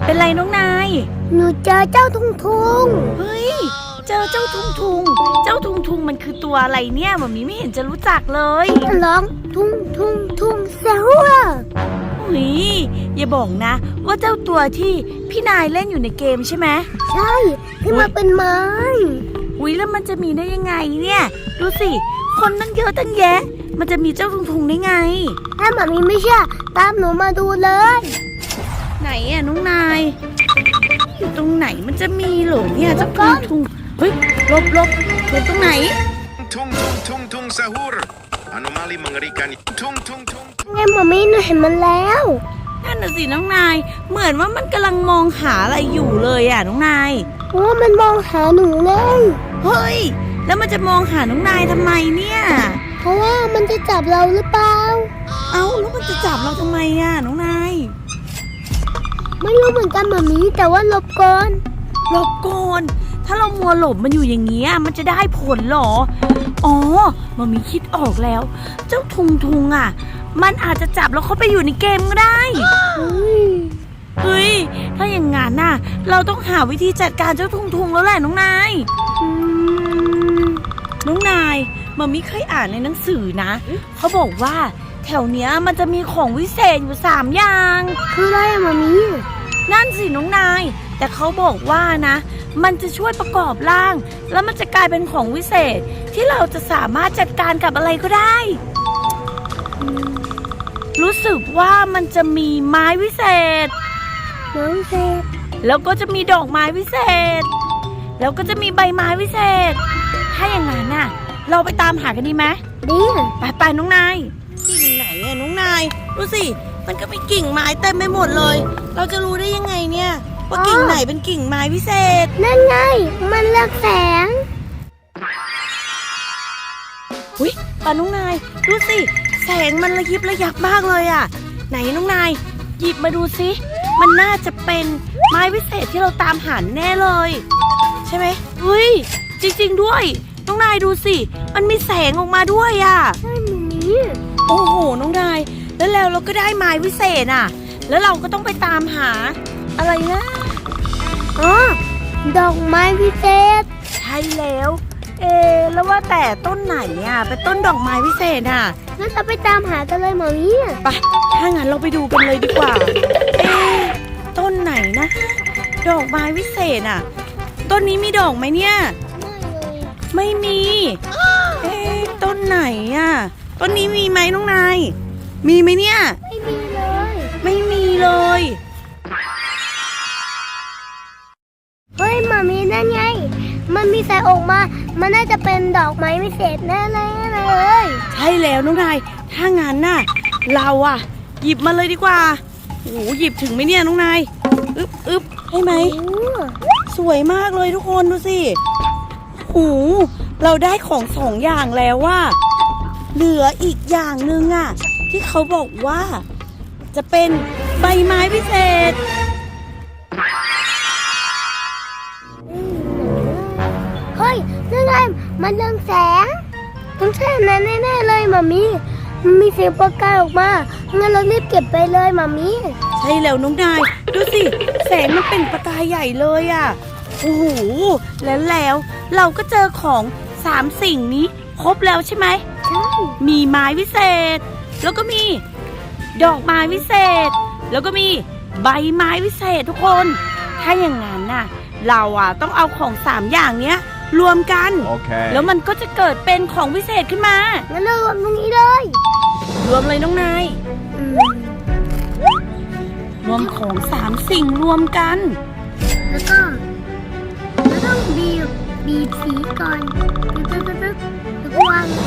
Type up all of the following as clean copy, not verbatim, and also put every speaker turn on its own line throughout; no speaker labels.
เป็นไรน้องนาย
หนูเจอเจ้าทุงทุง
เฮ้ยเจอเจ้าทุงทุงเจ้าทุงทุงมันคือตัวอะไรเนี่ยหมอมีไม่เห็นจะรู้จักเลย
ร้องทุงทุงทุงเสียหัว
อุ้ยอย่าบอกนะว่าเจ้าตัวที่พี่นายเล่นอยู่ในเกมใช่ไหม
ใช่ที่มาเป็นไม้
อุ้ยแล้วมันจะมีได้ยังไงเนี่ยดูสิคนตั้งเยอะตั้งแยะมันจะมีเจ้าทุงทุงได้ไง
ถ้าหมามีไม่เชื่อตามหนูมาดูเลย
ไหนอะน้องนายอยู่ตรงไหนมันจะมีเหรอเนี่ยเจ้าทุงทุงเฮ้ยหลบตรงไหน
tung sahur anomali mengerikan tung
ไงหมามีหนูเห็นมันแล้ว
นั่นน่ะสิน้องนายเหมือนว่ามันกำลังมองหาอะไรอยู่เลยอะน้องนาย
โอ้มันมองหาหนูเลย
เฮ้ยแล้วมันจะมองหาน้องนายทำไมเนี่ย
เพราะว่ามันจะจับเราหรือเปล่า
เอ้าแล้วมันจะจับเราทำไมอะน้องนาย
ไม่รู้เหมือนกันหมามีแต่ว่าหลบก่อน
ถ้าเรามัวหลบมันอยู่อย่างเงี้ยมันจะได้ผลหรออ๋อหมอมีคิดออกแล้วเจ้าทุงอ่ะมันอาจจะจับแล้วเขาไปอยู่ในเกมก็ได้เฮ้ยถ้าอย่างงั้นน่ะเราต้องหาวิธีจัดการเจ้าทุงแล้วแหละน้องนายหมอมีเคยอ่านในหนังสือนะเขาบอกว่าแถวเนี้ยมันจะมีของวิเศษอยู่3อย่าง
คืออะไรอะหมอมี
นั่นสิน้องนายแต่เขาบอกว่านะมันจะช่วยประกอบร่างแล้วมันจะกลายเป็นของวิเศษที่เราจะสามารถจัดการกับอะไรก็ได้รู้สึกว่ามันจะมีไม้วิเศษแล้วก็จะมีดอกไม้วิเศษแล้วก็จะมีใบไม้วิเศษถ้าอย่างนั้นน่ะเราไปตามหากันดีไหม
ดี
ไปน้องนายกิ่งไหนอะน้องนายดูสิมันก็มีกิ่งไม้เต็มไปหมดเลยเราจะรู้ได้ยังไงเนี่ยว่ากิ่งไหนเป็นกิ่งไม้พิเศษ
นั่นไงมันเลือกแสง
อุ้ยป่าน้องนายดูสิแสงมันระยิบระยับมากเลยอ่ะไหนน้องนายหยิบมาดูสิมันน่าจะเป็นไม้พิเศษที่เราตามหาแน่เลยใช่ไหมเฮ้ยจริงๆด้วยน้องนายดูสิมันมีแสงออกมาด้วยอ่ะ
ใช่นี่
โอ้โหน้องนายแล้วเราก็ได้ไม้พิเศษอ่ะแล้วเราก็ต้องไปตามหาอะไรนะ
อ๋อดอกไม้พิเศษ
ใช่แล้วแล้วว่าแต่ต้นไหนอ่ะเป็นต้นดอกไม้พิเศษอ่ะ
งั้นเราไปตามหากันเลยหมอมี
ไปถ้างั้นเราไปดูกันเลยดีกว่าต้นไหนนะดอกไม้พิเศษอ่ะต้นนี้มีดอกไหมเนี่ยไม่มีต้นไหนอ่ะต้นนี้มีไหมน้องนายมีไหมเนี่ย
ไม่มีเลยเฮ้ยหมามีนั่นไงมันมีแสงออกมามันน่าจะเป็นดอกไม้พิเศษแน่เลย
ใช่แล้วน้องนายถ้างั้นน่ะเราอ่ะหยิบมาเลยดีกว่าโอ้หยิบถึงไหมเนี่ยน้องนายอึ๊บใช่ไหมสวยมากเลยทุกคนดูสิโอ้เราได้ของ2อย่างแล้วว่าเหลืออีกอย่างหนึ่งอ่ะที่เขาบอกว่าจะเป็นใบไม้พิเศษ
เฮ้ยนั่นไงมันเรืองแสงต้องใช่นั้นแน่ๆเลยหมามีมันมีเสียงประกายออกมางั้นเรารีบเก็บไปเลยหมามี
ใช่แล้วน้องนายดูสิแสงมันเป็นประกายใหญ่เลยอ่ะโอ้โหแล้วเราก็เจอของ3สิ่งนี้ครบแล้วใช่ไหม
ใช่
มีไม้วิเศษแล้วก็มีดอกไม้วิเศษแล้วก็มีใบไม้วิเศษทุกคนถ้าอย่างนั้นน่ะเราอ่ะต้องเอาของ3อย่างเนี้ยรวมกัน
okay.
แล้วมันก็จะเกิดเป็นของวิเศษขึ้นมา
งั้นเรารวมตรงนี้เลย
รวมเลยน้องนายรวมของ3สิ่งรวมกัน
แล้วก็ต้องบีบสีก่อนตึ๊ดแล้วก็วาง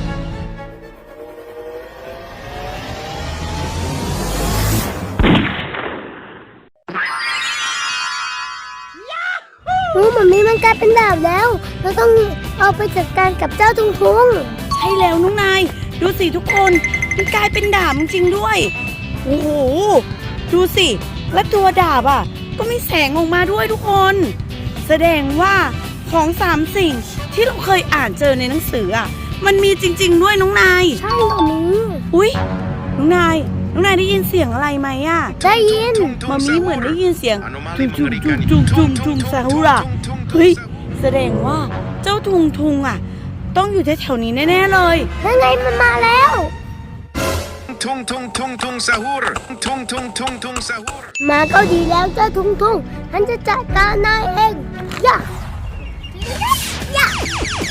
มันกลายเป็นดาบแล้วเราต้องเอาไปจัดการกับเจ้าทุง
ใช่แล้วน้องนายดูสิทุกคนมันกลายเป็นดาบจริงๆด้วยโอ้โหดูสิและตัวดาบอ่ะก็มีแสงออกมาด้วยทุกคนแสดงว่าของ3สิ่งที่เราเคยอ่านเจอในหนังสืออ่ะมันมีจริงๆด้วยน้องนาย
ใช่หรอมี
อุ๊ยน้องนายน้องนายได้ยินเสียงอะไรไหมอ่ะ
ได้ยิน
มามีเหมือนได้ยินเสียง
Anomali
จุงจุง
mengerikan
จุง
itu.
จุงจุงจุงซาฮูระเฮ้ยแสดงว่าเจ้าทุงทุงอ่ะ ต้องอยู่แถวๆนี้แน่ๆเลย
นั่นไงมันมาแล้ว
Tung tung tung tung sahur. Tung tung tung tung sahur.
มาก็ดีแล้วเจ้าทุงทุงฉันจะจัดการนายเองย่าย่า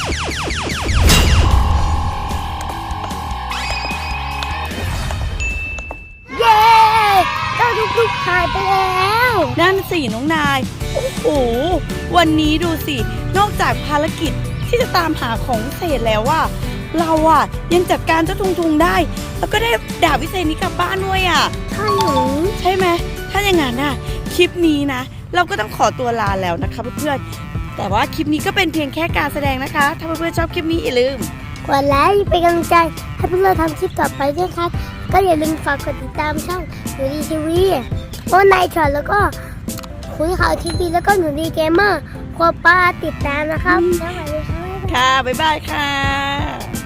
เย้เจ้าทุงทุงหายไปแล้ว
นั่นสิน้องนาย โอ้โห วันนี้ดูสิ นอกจากภารกิจที่จะตามหาของวิเศษแล้วว่า เราอ่ะยังจัดการเจ้าทุงทุงได้ แล้วก็ได้ดาบวิเศษนี้กลับบ้านด้วยอ่ะ
ใช่หนู
ใช่ไหม ถ้าอย่างนั้นน่ะ คลิปนี้นะ เราก็ต้องขอตัวลาแล้วนะคะเพื่อนๆ แต่ว่าคลิปนี้ก็เป็นเพียงแค่การแสดงนะคะ ถ้าเพื่อนๆชอบคลิปนี้อย่าลืม
กดไลค์เป็นกำลังใจให้พวกเราทำคลิปต่อไปด้วยครับ ก็อย่าลืมฝากกดติดตามช่องหนูดีทีวีโอนายช็อตแล้วก็คุยข่าวทีวีแล้วก็หนูดีเกมเมอร์ครัวป้าติดตามนะครับสวัสดีครับ
ค่ะ บ๊ายบายค่ะ